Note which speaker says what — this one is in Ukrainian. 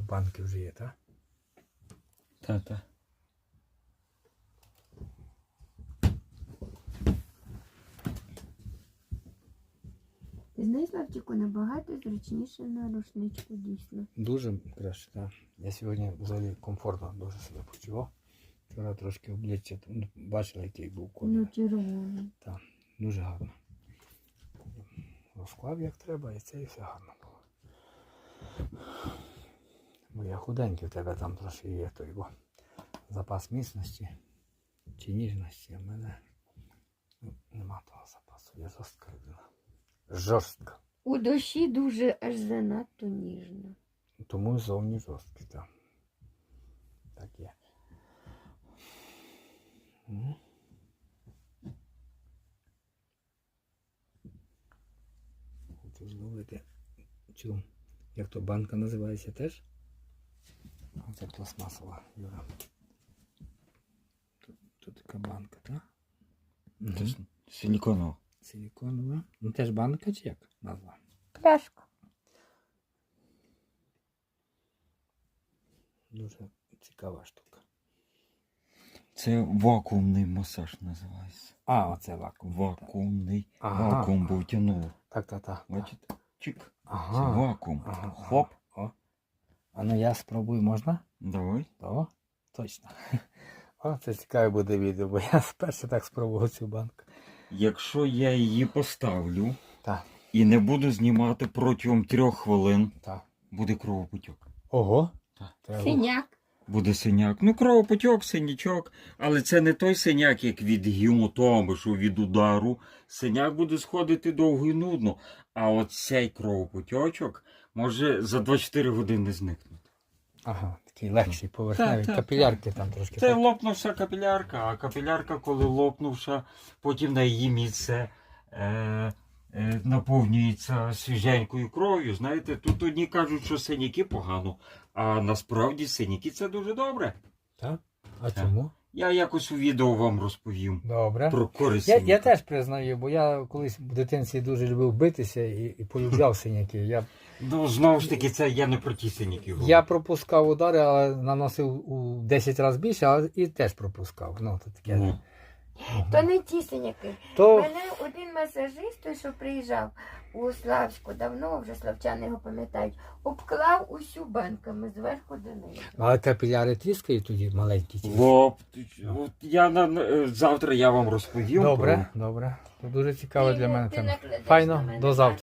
Speaker 1: банки вже є, так?
Speaker 2: Та.
Speaker 3: Ти знаєш, Славчику, набагато зручніше на рушничку, дійсно.
Speaker 1: Дуже краще, так. Я сьогодні взагалі комфортно дуже себе почував. Вчора трошки обличчя, бачила, який був колір.
Speaker 3: Ну, червоний.
Speaker 1: Так, дуже гарно. Розклав як треба, і це і все гарно було. Бо я худенький, в тебе там трошки є той запас міцності чи ніжності. А в мене нема того запасу. Я жорстка людина. Жорстка.
Speaker 3: У душі дуже аж занадто ніжно.
Speaker 1: Тому і зовні жорсткий, так. Так є. Хочу зловити цю, як то банка називається теж? Оце пластмасова, Юра. Тут така банка, так?
Speaker 2: Це ж силіконова.
Speaker 1: Силіконова. Ну теж банка чи як назва?
Speaker 3: Пляшка.
Speaker 1: Дуже цікава штука.
Speaker 2: Це вакуумний масаж називається.
Speaker 1: А, оце вакуум.
Speaker 2: Вакуумний.
Speaker 1: Ага.
Speaker 2: Вакуум був тянуло.
Speaker 1: Так.
Speaker 2: Бачите? Чик.
Speaker 1: Ага.
Speaker 2: Це вакуум.
Speaker 1: Ага.
Speaker 2: Хоп.
Speaker 1: О. А ну я спробую, можна?
Speaker 2: Давай.
Speaker 1: О, точно. О, це цікаве буде відео, бо я вперше так спробував цю банку.
Speaker 2: Якщо я її поставлю
Speaker 1: Так,
Speaker 2: і не буду знімати протягом 3 хвилин,
Speaker 1: так.
Speaker 2: буде кровопотік.
Speaker 1: Ого.
Speaker 2: Так.
Speaker 1: Треба-
Speaker 3: Синяк.
Speaker 2: Буде синяк. Ну, кровопотік, синячок. Але це не той синяк, як від гематоми, що від удару. Синяк буде сходити довго і нудно. А от цей кровопотічок може за 24 години зникнути.
Speaker 1: Ага, такий легший, поверхневий.
Speaker 2: Так.
Speaker 1: Капілярки там трошки.
Speaker 2: Це
Speaker 1: так?
Speaker 2: лопнувша капілярка, а капілярка, коли лопнувша, потім на її місце наповнюється свіженькою кров'ю. Знаєте, тут одні кажуть, що синяки погано, а насправді синяки це дуже добре.
Speaker 1: Так? А
Speaker 2: Так.
Speaker 1: чому?
Speaker 2: Я якось у відео вам розповім
Speaker 1: Добре.
Speaker 2: про користь
Speaker 1: Я
Speaker 2: синяка.
Speaker 1: теж признаю, бо я колись в дитинстві дуже любив битися і полюбляв синяки.
Speaker 2: Ну, знову ж таки, це я не про ті синяки говорю.
Speaker 1: Я пропускав удари, але наносив у 10 разів більше, але і теж пропускав. Ну, то таке.
Speaker 2: Ну.
Speaker 3: То не ті синяки.
Speaker 1: То
Speaker 3: Мене один масажист, той, що приїжджав у Славську, давно вже славчани його пам'ятають, обклав усю банками зверху донизу.
Speaker 1: але капіляри тріскають тоді маленькі. ті.
Speaker 2: От завтра я вам розповім.
Speaker 1: Добре. Це дуже цікаво
Speaker 3: Ти
Speaker 1: для мене
Speaker 3: ти
Speaker 1: тема.
Speaker 3: накладеш на
Speaker 1: Файно,
Speaker 3: мене
Speaker 1: до завтра.